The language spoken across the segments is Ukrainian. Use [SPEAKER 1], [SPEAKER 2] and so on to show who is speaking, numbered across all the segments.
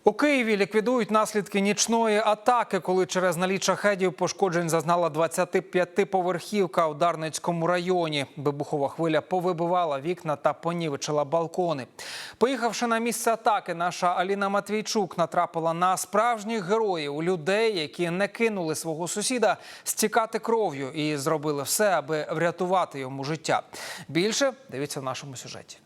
[SPEAKER 1] У Києві ліквідують наслідки нічної атаки, коли через наліт шахедів пошкоджень зазнала 25-поверхівка у Дарницькому районі. Вибухова хвиля повибивала вікна та понівечила балкони. Поїхавши на місце атаки, наша Аліна Матвійчук натрапила на справжніх героїв, людей, які не кинули свого сусіда стікати кров'ю і зробили все, аби врятувати йому життя. Більше дивіться в нашому сюжеті.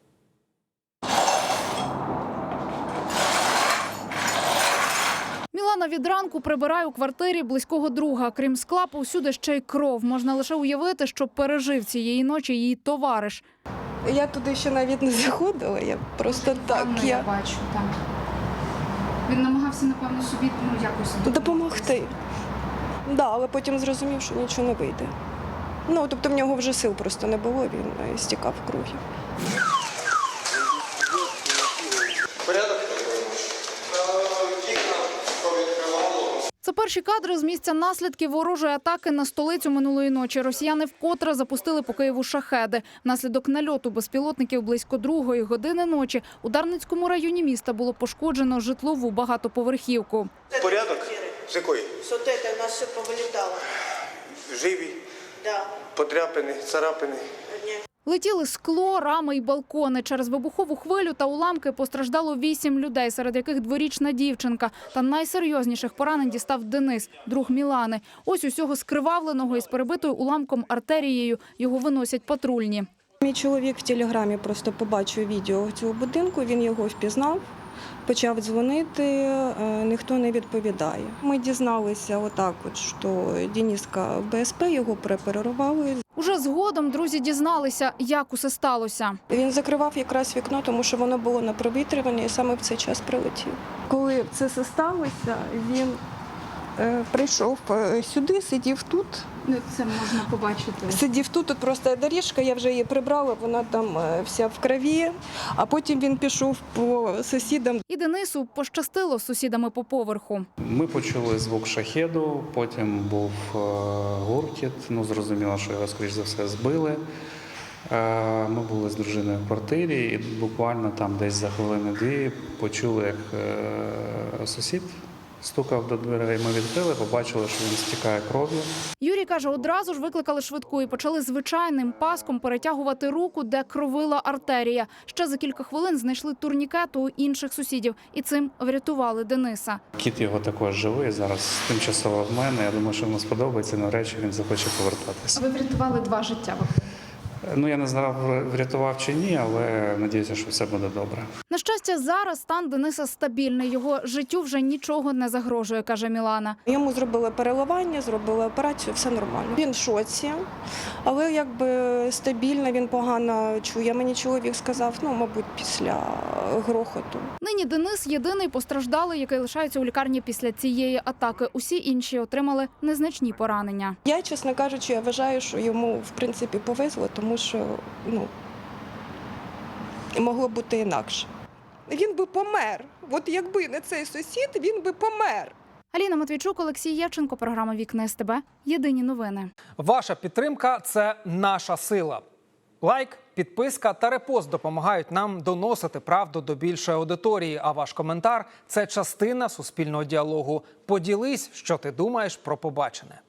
[SPEAKER 2] Мілана від ранку прибирає у квартирі близького друга. Крім скла, повсюди ще й кров. Можна лише уявити, що пережив цієї ночі її товариш.
[SPEAKER 3] Я туди ще навіть не заходила, я просто так.
[SPEAKER 2] Я бачу, так. Він намагався, напевно, собі якось
[SPEAKER 3] допомогти. Да, але потім зрозумів, що нічого не вийде. Тобто в нього вже сил просто не було, він стікав кров'ю.
[SPEAKER 2] Це перші кадри з місця наслідків ворожої атаки на столицю минулої ночі. Росіяни вкотре запустили по Києву шахеди. Внаслідок нальоту безпілотників близько 2-ї години ночі у Дарницькому районі міста було пошкоджено житлову багатоповерхівку.
[SPEAKER 4] Порядок? З якої?
[SPEAKER 5] Вот это у нас все повылетало.
[SPEAKER 4] Живі?
[SPEAKER 5] Да.
[SPEAKER 4] Подряпини, царапини?
[SPEAKER 2] Летіли скло, рами і балкони. Через вибухову хвилю та уламки постраждало 8 людей, серед яких дворічна дівчинка. Та найсерйозніших поранень дістав Денис, друг Мілани. Ось усього скривавленого із перебитою уламком артерією його виносять патрульні.
[SPEAKER 3] Мій чоловік в телеграмі просто побачив відео цього будинку, він його впізнав, почав дзвонити, ніхто не відповідає. Ми дізналися що Дениска в БСП, його прооперували.
[SPEAKER 2] Уже згодом друзі дізналися, як усе сталося.
[SPEAKER 3] Він закривав якраз вікно, тому що воно було на провітрюванні і саме в цей час прилетів. Коли це все сталося, він прийшов сюди, сидів тут.
[SPEAKER 2] Це можна побачити.
[SPEAKER 3] Сидів тут просто доріжка, я вже її прибрала, вона там вся в крові, а потім він пішов по сусідам.
[SPEAKER 2] І Денису пощастило з сусідами по поверху.
[SPEAKER 6] Ми почули звук шахеду, потім був гуркіт, зрозуміло, що його, скоріш за все, збили. Ми були з дружиною в квартирі і буквально там десь за хвилини-дві почули, як сусід стукав до дверей, ми відкрили, побачили, що він стікає кров'ю.
[SPEAKER 2] Юрій каже, одразу ж викликали швидку і почали звичайним паском перетягувати руку, де кровила артерія. Ще за кілька хвилин знайшли турнікет у інших сусідів і цим врятували Дениса.
[SPEAKER 6] Кіт його також живий, зараз тимчасово в мене. Я думаю, що йому сподобається, навряд чи він захоче повертатися.
[SPEAKER 2] Ви врятували 2 життя.
[SPEAKER 6] Я не знав, врятував чи ні, але сподіваюся, що все буде добре.
[SPEAKER 2] На щастя, зараз стан Дениса стабільний. Його життю вже нічого не загрожує, каже Мілана.
[SPEAKER 3] Йому зробили переливання, зробили операцію, все нормально. Він в шоці, але стабільно, він погано чує. Мені чоловік сказав, мабуть, після грохоту.
[SPEAKER 2] Нині Денис – єдиний постраждалий, який лишається у лікарні після цієї атаки. Усі інші отримали незначні поранення.
[SPEAKER 3] Я, чесно кажучи, я вважаю, що йому, в принципі, повезло, тому що, могло бути інакше. Він би помер. От якби не цей сусід, він би помер.
[SPEAKER 2] Аліна Матвійчук, Олексій Євченко, програма «Вікна СТБ». Єдині новини.
[SPEAKER 1] Ваша підтримка – це наша сила. Лайк, підписка та репост допомагають нам доносити правду до більшої аудиторії. А ваш коментар – це частина суспільного діалогу. Поділись, що ти думаєш про побачене.